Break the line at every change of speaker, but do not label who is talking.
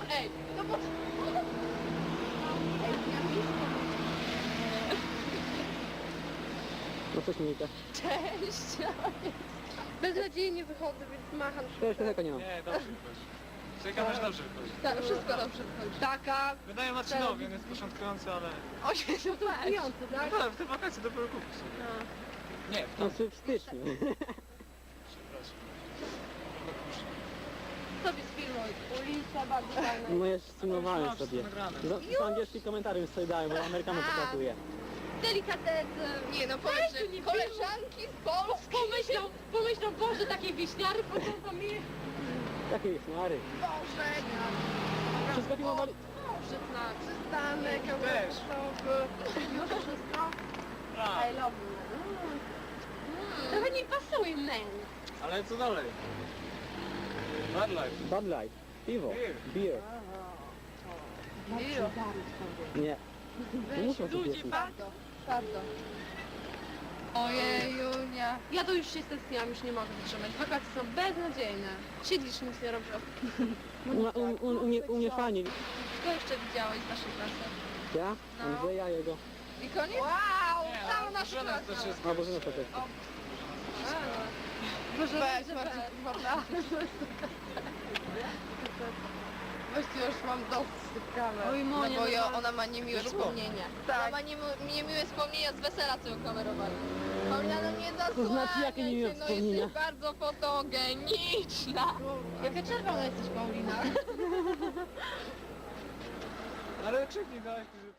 Ej, no bo... Ej, ja
No coś Monika.
Cześć! Beznadziejnie wychodzę, więc macham
Ja już tego nie mam.
Nie, dobrze wychodzi. Czekam aż dobrze wychodzi.
Tak, wszystko dobrze wychodzi. Taka...
Wydaje Marcinowi, on jest początkujący, ale...
Osiem to kupujący, tak?
No, w te wakacje dopiero kupić sobie. Nie, w
No
to...
w styczniu.
Przepraszam.
Sobie sfilmuj. Ulica bardzo fajna.
No ja streamowałem
Mam
sobie.
nagrane.
Z angielski komentarz sobie dałem, bo Amerykanu pokazuje.
Delikatesy. Nie no, powiedz, że koleżanki z Polski. Pomyślą, Boże, takie wieśniary potem mi...
Jakie jest mary.
Boże,
Wszystko filmowali.
Boże, przystanek,
Też.
już wszystko.
A,
I love you. Trochę nie pasuje, man.
ale co dalej? Bad life.
Bud Light. Piwo.
Beer.
Beer. Nie. Nie muszą to
Ludzie,
pieścić.
bardzo. Ojej, Junia. Ja to już się stresniłam, już nie mogę wytrzymać. Wakacje są beznadziejne. Siedzisz, nic nie robisz.
U mnie fajnie.
Kto jeszcze widziałeś z naszej klasy?
Ja?
No.
Andrzeja jego.
I koniec? Wow,
Nie,
cała
ale
nasza
żona
klasa.
też jest...
A Boże, na to też.
Boże, Właściwie już mam dosyć tych kamer.
Oj, Monia,
no bo
no.
ona ma niemiłe
Wiesz, bo-
wspomnienia. Ona ma niemiłe wspomnienia z wesela, co ją kamerowali. Paulina, no nie
To znaczy, jakie niemiłe
no
wspomnienia?
jesteś bardzo fotogeniczna.
Jaka czerwona jesteś, Paulina?
Ale krzyknij, dałeś...